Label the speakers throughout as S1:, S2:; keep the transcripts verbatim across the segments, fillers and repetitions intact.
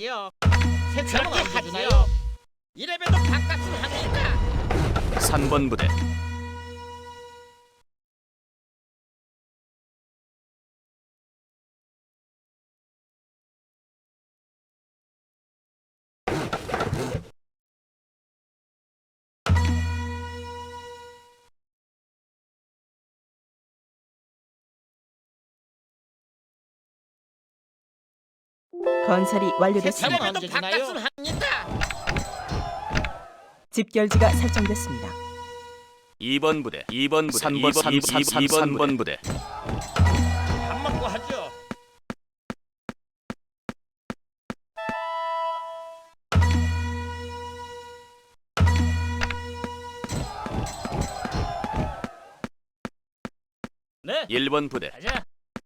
S1: 하지요. 세참은 언제 주나요? 이래봬도 밥값은 합니까?
S2: 삼 번 부대
S3: 건설이
S1: 세참은
S3: 완료됐습니다.
S1: 언제 주나요? 밥값은 합니까?
S3: 집결지가 설정됐습니다.
S2: 이 번 부대 이 번 부대 삼 번 삼 번 부대
S1: 밥 먹고 하죠. 네.
S2: 일 번 부대
S1: 가자.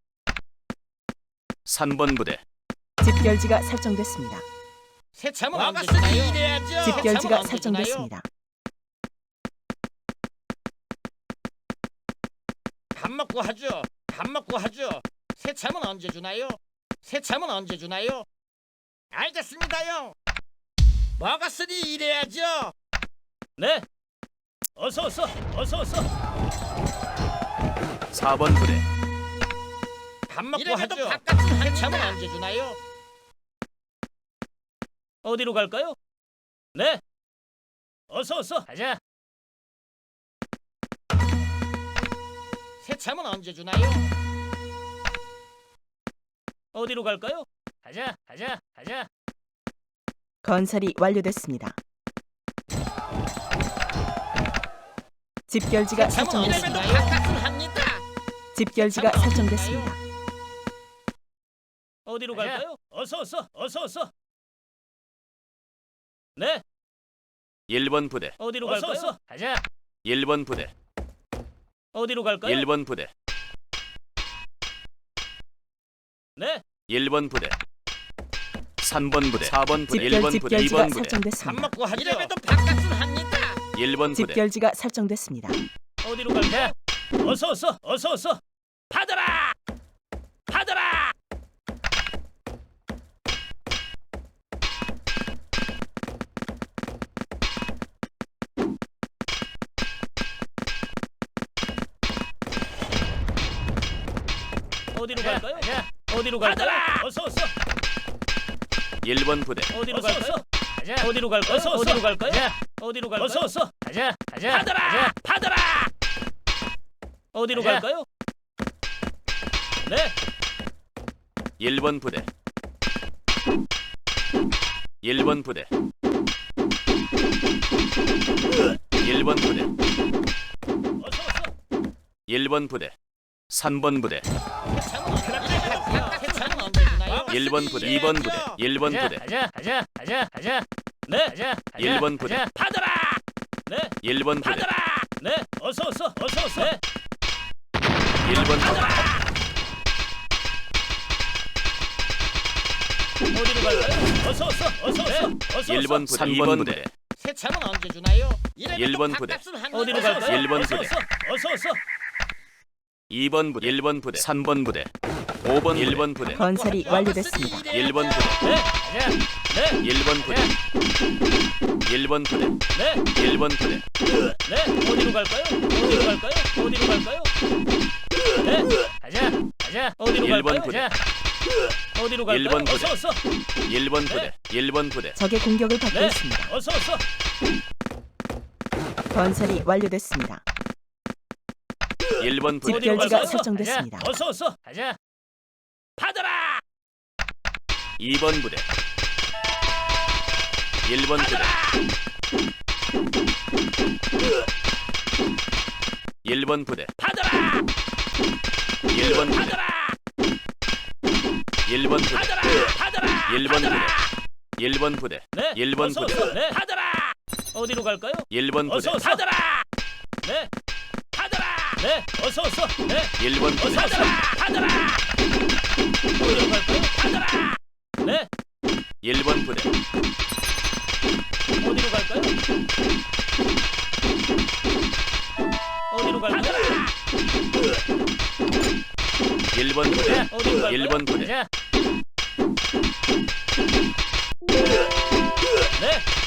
S2: 삼 번 부대
S3: 집결지가 설정됐습니다.
S1: 세참은 언제 주나요? 이래야죠.
S3: 집결지가
S1: 세참은 언제 주나요?
S3: 설정됐습니다.
S1: 밥 먹고 하죠. 밥 먹고 하죠. 세참은 언제 주나요? 세참은 언제 주나요? 알겠습니다요. 먹었으니 일해야죠. 네. 어서 어서 어서 어서.
S2: 사 번 부대
S1: 밥 먹고 하죠. 밥값은 세참은 언제 주나요? 어디로 갈까요? 네. 어서 어서 가자. 세참은 언제 주나요? 어디로 갈까요? 가자, 가자, 가자.
S3: 건설이 완료됐습니다. 집결지가
S1: 세참은 이래봬도
S3: 설정됐습니다.
S1: 밥값은 합니까?
S3: 집결지가
S1: 세참은 언제
S3: 설정됐습니다.
S1: 어디로 갈까요? 어서 어서 어서 어서. 네.
S2: 일 번 부대
S1: 어디로 갈까요? 어서 가자.
S2: 일 번 부대
S1: 어디로 갈까요?
S2: 일 번 부대
S1: 네.
S2: 일 번 부대 삼 번 부대 사 번 부대 일
S3: 집결
S2: 번 부대 이
S3: 집결지가
S2: 번 부대
S1: 밥
S3: 설정됐습니다.
S1: 먹고 하죠. 이래봬도 밥값은 합니까?
S2: 일 번 부대
S3: 집결지가 설정됐습니다.
S1: 어디로 갈까요? 어서 어서 어서 어서. 받아라. 받아라. 어디로 갈까요? 어디로 갈까요? 어서 어서.
S2: 일 번 부대
S1: 어디로 갈까요? 가자. 어디로 갈까요? 어서 어디로 갈까요? 어디로 갈까요? 어서 어서. 가자. 가자. 받아라. 받아라. 어디로
S2: 가자.
S1: 갈까요? 네.
S2: 일 번 부대 일 번 부대 일 번 부대
S1: 어서 어서.
S2: 일 번 부대 삼 번 부대
S1: 세참은 언제 주나요?
S2: 일 번 부대 이 번 부대 일 번 부대
S1: 가자. 가자. 가자. 가자. 네. 가자.
S2: 일 번 부대.
S1: 가자. 받아라. 네.
S2: 일 번 부대
S1: 받아라. 네. 어서 어서. 어서 어서. 네.
S2: 일 번 부대
S1: 어디로 갈까요? 어서 어서. 어서 어서. 어서
S2: 일 번 부대 이 번 부대
S1: 세참은 언제 주나요?
S2: 일 번 부대.
S1: 어디로 갈까요?
S2: 일 번
S1: 어서
S2: 부대.
S1: 어서. 어서 어서.
S2: 이 번 부대 일 번 부대 삼 번 부대 오 번 일 번 부대
S3: 건설이 완료됐습니다.
S2: 일 번 부대
S1: 네. 가자. 네.
S2: 일 번 부대 일 번 부대
S1: 네.
S2: 일 번 부대
S1: 네. 어디로 갈까요? 어디로 갈까요? 어디로 갈까요? 네. 가자. 가자. 어디로
S2: 일 번
S1: 갈까요?
S2: 부대.
S1: 가자. 어디로 갈까요?
S2: 일 번 부대.
S1: 어서 어서.
S2: 일 번 부대 일 번 부대
S3: 적의 공격을 받고
S1: 네.
S3: 있습니다.
S1: 어서 어서.
S3: 건설이 완료됐습니다.
S2: 일 번 부대
S1: 어디로
S3: 집결지가
S1: 갈까요?
S3: 설정됐습니다.
S1: 가자. 어서 어서. 가자. 받아라.
S2: 이 번 부대 일 번 부대 일 번 부대
S1: 받아라.
S2: 일 번 부대
S1: 받아라.
S2: 일 번 부대
S1: 받아라. 받아라.
S2: 일 번 부대
S1: 받아라.
S2: 일 번 부대
S1: 네.
S2: 일 번
S1: 어서
S2: 부대
S1: 어서. 네. 받아라. 어디로 갈까요?
S2: 일 번 부대
S1: 어서 어서. 받아라. 네. 받아라. 네. 어서 어서. 네.
S2: 일 번 부대
S1: 어서 받아라. 받아라. 어디로 갈까요? 받아라. 네.
S2: 일 번 부대
S1: 어디로 갈까요? 어디로 갈까요?
S2: 일 번 부대
S1: 네. 어디로 갈까요?
S2: 일 번 부대
S1: 가자. 네.